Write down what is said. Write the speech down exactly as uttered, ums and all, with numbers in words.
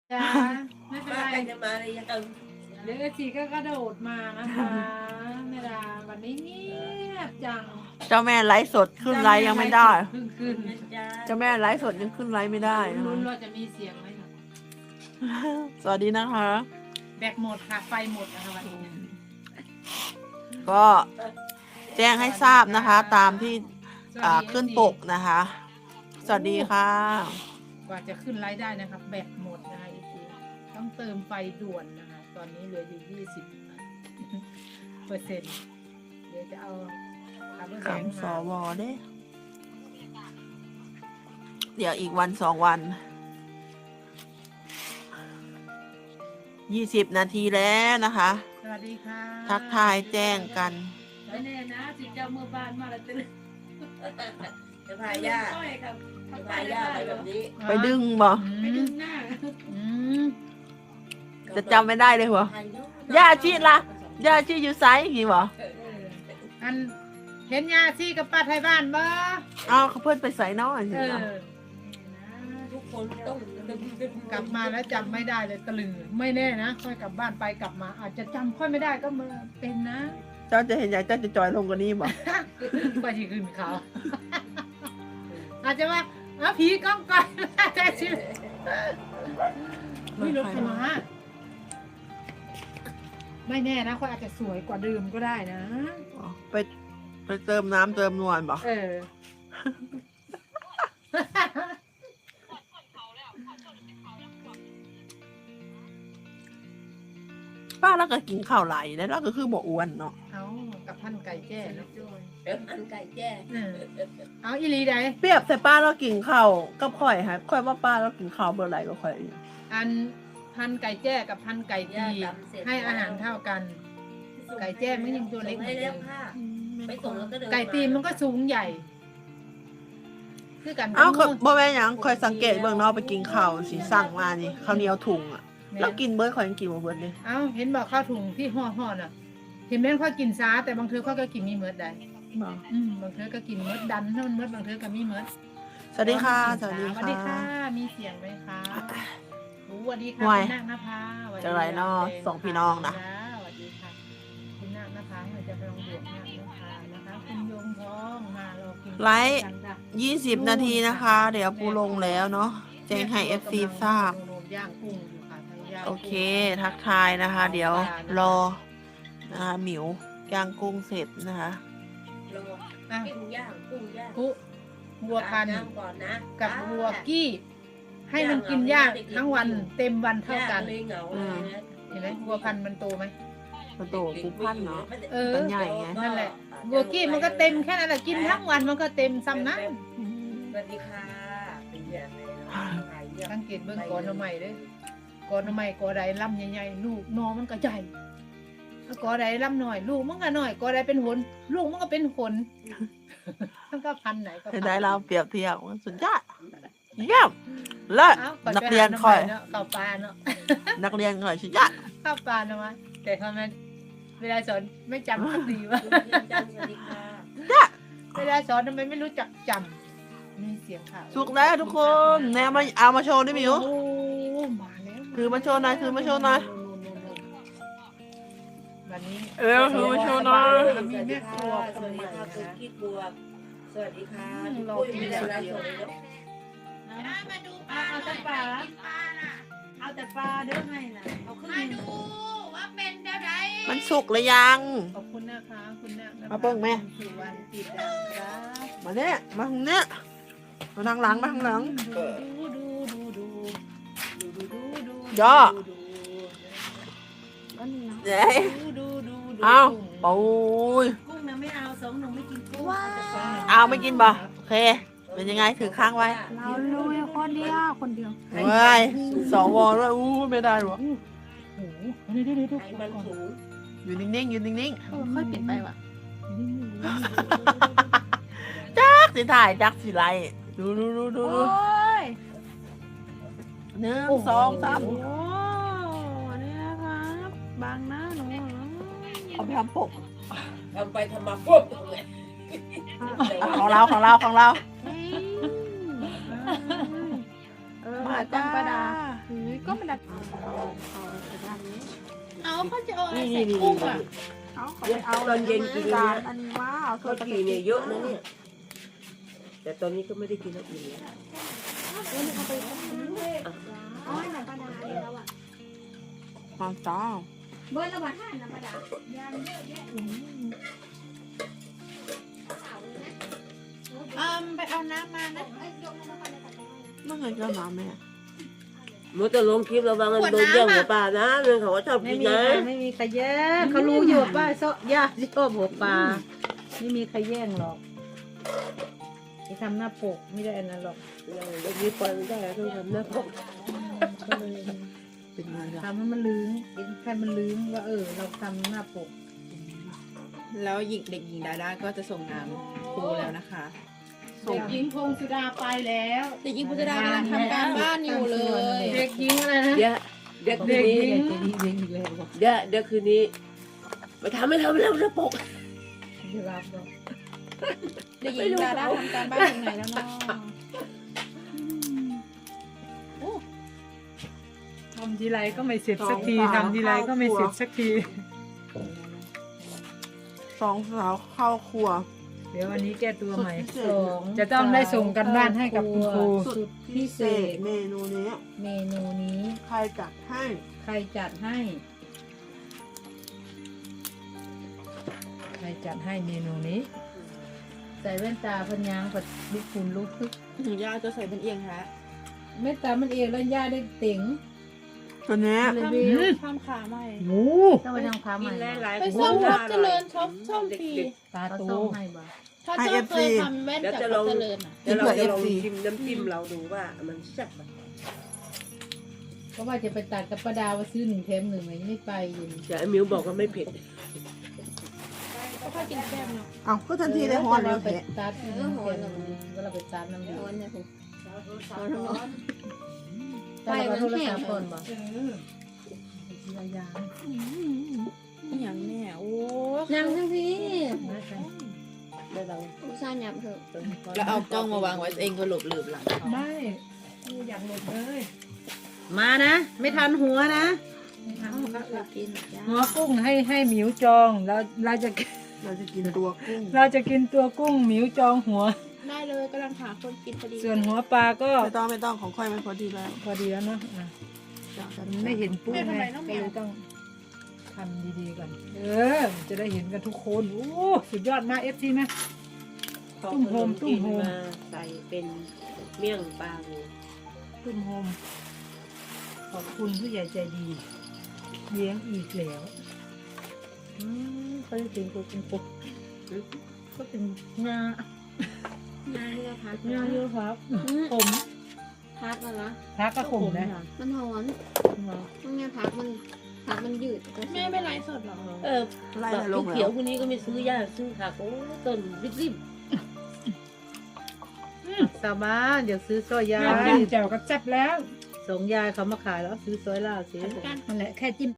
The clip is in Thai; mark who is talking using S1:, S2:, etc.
S1: จ้าไม่เป็น
S2: มา
S1: ไร
S2: กันจะมาเลยยัง
S1: เดี๋ยวเอซีก็กระโดดมานะคะแม่ดาวันนี้เงียบจัง
S3: เจ้าแม่ไลฟ์สดขึ้นไลฟ์ยังไม่ได้
S1: เพิ่งขึ้น
S3: เจ้าแม่ไลฟ์สดยังขึ้นไลฟ์ไม่ได้นะ
S1: ลุ้น
S3: คะ
S1: ว่าจะมีเสียงไหมคะ
S3: สวัสดีนะคะ
S1: แบตหมดค่ะไฟหมดนะคะวันนี้
S3: ก็แจ้งให้ทราบนะคะ ตามที่
S1: สวัส
S3: อ่า
S1: ดี
S3: ขึ้น
S1: เอฟซี
S3: ปกนะคะ สวัสดีค่ะ
S1: กว่าจะขึ้นไลฟ์ได้นะครับแบตหมดนะคะเอฟซีต้องเติมไฟด่วนนะคะ ตอนนี้เหลืออยู่ยี่สิบเปอร์เซ็นต์เดี๋ยวจะเอาคาร์บอนแบงค์
S3: คำส
S1: มา
S3: วเด้ เดี๋ยวอีกวันสองวัน ยี่สิบนาทีแล้วนะคะ
S1: สวัสดีค่ะ
S3: ทักทายแจ้งกัน
S1: ไม่แน่นะสิเจ้าเมื่อบ้านมาแล้วตื่น
S2: จะพาย่า
S1: ต้อยครับ
S2: จะพาย่าไปแบบนี้
S3: ไปดึงบ่
S1: ไปดึงหน้าอืม
S3: จะจำไม่ได้เลยหัว ย่าชีละ ย่าชีอยู่ไซส์กี่บ่
S1: อันเห็นยาซี่กับป้าไทยบ้านบ่
S3: เอาเขาเพิ่นไปใส่น้อยสิ
S1: เออ
S3: ล่ะ
S2: ทุกคนต้อง
S1: กลับมาแล้วจำไม่ได้เลยตะลึงไม่แน่นะค่อยกลับบ้านไปกลับมา อาจจะจำค่อยไม่ได้ก็มาเป็นนะ
S3: เจ้าจะเห็นอยากเจ้าจะจอยลงกว่านี้บ่
S1: ไปที่ขึ้นเขา อาจจะว่าเอาผีกล้องก่อนแต่ชิลไม่รถใครมาไม่แน่นะค่อยอาจจะสวยกว่าเดิมก็ได้นะ
S3: อ๋อไปไปเติมน้ำเติมนวลบ่
S1: เออ
S3: ป้าแล้วก็กินข้าวไหลแล้วเราก็คือบ่อ้วนเนาะ
S1: เอากับพันไก่แจ้เนาะ
S2: เดี๋ยวอันไก่แจ้
S1: เออเอาอีหลีใด
S3: เปรียบใส่ป้าเรากินข้าวกับข่อยฮะข่อยว่าป้าเรากินข้าวเบอร์ไหนก็ข่อยอีก
S1: อันพันไก่แจ้กับพันไก่ตีให้อาหารเท่ากัน ไก่แจ้มันยังตัวเล็กเหมื
S2: ให้
S1: อนเดิ
S2: แล้ว
S1: ม
S2: ค่ะไปส่งแล้วก็เดิน
S1: ไก่ตีมันก็สูงใหญ่ คือกัน
S3: เอ้า
S1: กับ
S3: บ่แม่นหยังข่อยสังเกตเบิ่งเนาะไปกินข้าวสิสั่งมานี่ข้าวเหนียวถุงอ่ะ
S1: แม่
S3: แล้วกินเบิร์ดข่อยยังกินบ่เบิร์ดเลย
S1: เอ้าเห็นบอกข้าวถุงที่ห่อห่อน่ะ เห็นแม่นข้อยกินซาแต่บางเธอข้อยก็กินมีเมิดได้
S3: บ่
S1: อืมบางเธอก็กินเมิดดันถ้ามันเมิดบางเธอก็มีเมิด
S3: สวัสดีค่ะส
S1: ส
S3: วัสดี
S1: วัสดีค่ะ
S3: ค่ะ
S1: มีเสียงไหมคะโอ้สวัสดีค่ะ
S3: ห่วย
S1: คุณนาคนภาสวัสดี
S3: จังไรเนาะ
S1: แด
S3: สองพี่น้องนะ
S1: จ้าสวัสดีค่ะคุณนาคนภาเราจะไปลองบวกนาคนภานะคะคุณยงทองมารอกิน
S3: ไลฟ์
S1: กันจ้ะ
S3: ยี่สิบนาทีนะคะ เดี๋ยวปูลงแล้วเนาะแจ้งให้ เอฟ ซี ทราบ
S1: ย่างกุ้งอยู่ค่ะไทยย่าง
S3: โอ
S1: กุ้ง
S3: เค ทักทายนะคะ เดี๋ยวรอนะคะหมิวย่างกุ้งเสร็จนะคะ
S2: รอ
S1: อ่ะ
S2: ปิ้งย่างกุ้งย่าง
S1: กุวัวพันธุ์
S2: น้ำก่อนนะ
S1: กับวัวกี้ ให้มันกินหญ้าทั้งวันเต็มวันเท่ากัน
S2: เลยเหงาเลยนะ
S1: เห็นไหมวัวพันธุ์มันโตไหม
S3: ประตูปูพันเนาะ
S1: เออ
S3: มันใหญ่ไง
S1: นั่นแหละวัวกี้มันก็เต็มแค่นั้นแหละกินทั้งวันมันก็เต็มซ้ำนั้น
S2: สวัสดีค่ะเป็นอย่างไรเนาะขายเยี่ยม
S1: สังเกตเบื้องก่อนทำไมเด้ก่อนทำไมก่อใดลำใหญ่ๆลูกนอมันก็ใหญ่ก่อใดลำหน่อย ลูกมันก็หน่อยก่อใดเป็นหนลูกมันก็เป็นหนมันก็พันไหนก็พัน
S3: ได้เราเปรียบเทียบสุดยอดเยี่ยมเลิศ
S1: อ้าว
S3: นักเรียนคอย
S1: เนาะเข้าปลาเนาะ
S3: นักเรียนคอยสุดยอด
S1: เข้าปลาเนาะวะแต่ทำไมเวลาสอนไม่จำคดีวะ
S2: คุณเพียงจันทร์สวัสดีค่ะ
S1: เวลาสอนทำไมไม่รู้จักจำมีเสียงข่าว
S3: สุกแล้วทุกคนแนวมาเอามาโชว์ดิหมิว
S1: โอ้มาแล้ว
S3: ถือมาโชว์หน่อยถือมาโชว์หน่อย
S1: วันนี้
S3: เออถือมาโชว์หน่อย
S1: มีแม่ครัวค
S2: ส
S1: น
S2: วัส
S1: ให
S2: ดี
S1: ม่
S2: ค่ะคุณ
S1: นะ
S2: คิดบวกสวัสดีค่ะ
S1: อืม
S2: คุณ
S1: รอ
S2: ปุ้ย
S1: กิน
S2: มี
S1: อย่าง
S2: อะไร
S1: เดียว
S2: สดเลยเนาะ
S4: มาดูปลา
S1: เอาแต่ปลา
S4: กินปลาน่ะ
S1: เอาแต่ปลาเด้อให้นะเอาขึ้น
S4: มาดูว่าเป็นเท่าไร
S3: มันสุกหรือยัง
S1: ขอบคุณนะคะคุณนานะคะ
S3: มาเบิ่งแม่
S1: สุวรรณติดดังครับ
S3: มาเนี่ยมาทางเนี้ยมาทางหลังมาทางหลัง
S1: ดูดูดูดูดูดูดูดู
S3: ย่อ
S1: ดูดู
S3: เย้
S1: ดูดูดูดู
S3: เอาปูย
S1: กุ้งนะไม่เอาสองหนูไม่กินกุ้งเอาแต่ปลา
S3: เอาไม่กินป่ะโอเค เป็นยังไงถือข้างไว้
S4: เราลุยคนเดียวคนเดียว
S3: เว้ยสวด้วยอู้ไม่ได้หรอ
S1: โอ้โหเดี๋ยวเดี๋ยวเดี๋ยว
S2: ไอ้มันสูง
S3: อยู่นิ่งๆอยู่นิ่ง
S4: เออค่อยเปลี่ยนไปว่ะ
S3: ๆจักสิถ่ายจักสิไลดูดูดูดู
S4: โอ้
S3: ดู
S4: ย
S3: หนึ่งสองสาม
S4: โอ้เนี่ยครับบางหน้าหนู
S3: เอาไปทำปก
S2: ทำไปทำมาปุ๊บเลย
S3: อ่ะของเราของเราของเรา
S4: เฮ้ยเออ
S3: มา
S4: ต้
S3: จ้า
S4: องประดาเฮ้ยก็มันดัดเอาเอาไปด้านนี้
S1: เอาเขาจะเอาอะไรใส่กุ้งอ่ะ
S4: เอาเขาไปเอา
S2: ตอนเย็นกิน
S4: จา
S2: เนี่ย
S4: นอันนี้ว่าเอา
S2: ข้าวจีเนี่ยเยอะนะเนี่ย แต่ตอนนี้ก็ไม่ได้กินแล้วอิ่มแล้ว
S5: อ๋อหนังปลาดาแล้วอ่ะ
S3: มาจ้า
S5: เบอร์ละบาทห้าหนังปลาดา
S1: อืมไปเอาน้ำมานะ
S3: เมื่อไงก็มาแม่
S2: มัวแต่ลงคลิประวังกันโดนแย่งหัวปลานะเรื่องเขาก็ชอบ
S6: ไม่
S2: กิน
S6: มี
S2: นะ
S6: ค่ะไม่มีใครแย่งเขารู้อยู่ว่าโซะย่าชอบหัวปลาไม่มีใครแย่งหรอกไอ้ทำหน้าปกไม่ได้อันนั้นหรอก
S2: เด็กนี้ปล่อยไม่ได้ต้องทำหน้าปก
S6: ก็เลย
S3: เป็นไงล่ะ
S6: ทำให้มันลืมเห็นแค่มันลืมว่าเออ เราทำหน้าปก
S7: แล้วหญิงเด็กหญิงดาด้าก็จะส่งน้ำครูแล้วนะคะ
S1: เด็กหญิงพงสุดาไปแล้ว
S7: เด็กหญิงพุทธดากำลังทำการบ้านอยู่เลย
S1: เด็กหญิงอะไรนะ
S2: เดี๋ยวเดี๋ยวคืนนี้
S6: เด็กจะดีเด็กอีกแล้ว
S2: เดี๋ยวเดี๋ยวคืนนี้ไปทำไม่ทำแล้วหน้าปก
S6: ไม่รับหรอก
S7: เด็กหญิงดาด้าทำการบ้านถึงไหนแล้วเนาะ
S1: ทำทีไรก็ไม่เสร็จสักทีทำทีไรก็ไม่เสร็จสักที
S3: สองสาวเข้าครัว
S1: เดี๋ยววันนี้แก้ตัวใหม่
S3: สุดพิเศ
S6: ส
S3: ษ
S6: อง
S1: จะต้องได้ส่งกันบ้านให้กับคุณครู
S6: สุดพิเศษ
S3: เมนูนี้
S6: เมนูนี้
S3: ใครจัดให้
S6: ใครจัดให้
S1: ใครจัดให้เมนูนี้
S6: ใส่แว่นตาพันยางกับลูกคุณลูกพึก
S7: ย่าจะใส่เป็นเอียงฮะ
S6: แม่ตามันเองแล้วย่าได้เต็ง
S3: ตัวเนี้ย
S6: เลย
S7: ท
S6: วิว
S7: ำทำขาใหม่
S1: โอ้
S6: ต้องไปทำค้าใหม่
S2: หลาย
S7: ไปซ่อมท็อปเจริญช็อปซ่อมฟรี
S1: ตา
S6: เขา
S1: โต
S6: ส่งให้บ่
S7: ถ้าเจ้าเคยทำแว่น
S2: เดี๋ยว
S7: กับ
S2: จะล
S7: ท็อ
S2: อง
S7: ปเจริญอ่ะ
S2: เดี๋ยวเราจะลองชิมน้ำจิ้มเราดูว่ามันแซ่บไหม
S6: เพราะว่าจะไปตัดกับประดาว่าซื้อหนึ่งแถมหนึ่งไหมไม่ไปอยู่
S2: แต่ไอ้มิวบอกว่าไม่เผ็ด
S7: ก็ค่อยกินแก้มเนาะ
S3: เอาก็ทันทีได้ฮอนแล้ว
S6: ไป
S3: แหะ
S6: ตัดเออหอนเวลาไปตัดน้ำดี
S5: ร้อนเนี่ยผม
S6: แต่เราโทรศัพท์ก่อนบ่
S7: อย่างแม่โอ้
S5: นั่งทั้งพี่
S6: ได้เรา
S5: อุตส่าห์หยับเถอะ
S7: แล้วเอากล้องมาวางไว้เองก็หลบหลืบหลัง
S1: ไม่กูอยากหลบเลย
S6: มานะ ไม่ทันหัวนะ
S5: กินจ้า
S1: หัวกุ้งให้ให้หมิวจองแล้วเราจะ
S3: เราจะกินตัวกุ้ง
S1: เราจะกินตัวกุ้งหมิวจองหัว
S7: ได้เลยกำลังหาคนกินพอดี
S1: ส่วนหัวปลาก็
S3: ไม่ต้องไม่ต้องของค่อยมันพอดีแล้ว
S1: พอดีแล้วเนาะอ่ะมันไม่เห็นปุ๊บไงก็เลยต้องทำดีๆก่อนเออจะได้เห็นกันทุกคนโอ้สุดยอดมากเอฟซีนะ ตุ้มโฮมตุ้มโฮม
S2: มาใส่เป็นเมี่ยงปลางู
S1: ตุ้มโฮมขอบคุณผู้ใหญ่ใจดีเลี้ยงอีกแล้วอืมเขาจะถึงตัวเป็นปุ๊บก็เป็นงา
S5: งานที่เราพัก
S1: งาเยอะครับผม
S5: พักแล้วเหรอ
S1: พักก็ขมนะ
S5: มันหอนต้องไงพักมันพักมันยืด
S7: แม่ไม่ไลฟ์สดหรอ
S2: เออ
S3: ไล่
S2: แบบ
S3: ลง
S2: เขี
S3: แล้
S2: ยว
S3: ว
S2: ๆคนนี้ก็ไม่ซื้อยาซื้อผักโอ้ต้นริบ
S6: สาบ้านเดี๋ยวซื้อซอยยา
S1: แม่จิ้มแจ่วก็แซ่บแล้ว
S6: สองยายเขามาขายแล้วซื้อซอยล่าสิ
S1: นั่นแหละแค่จิ้ม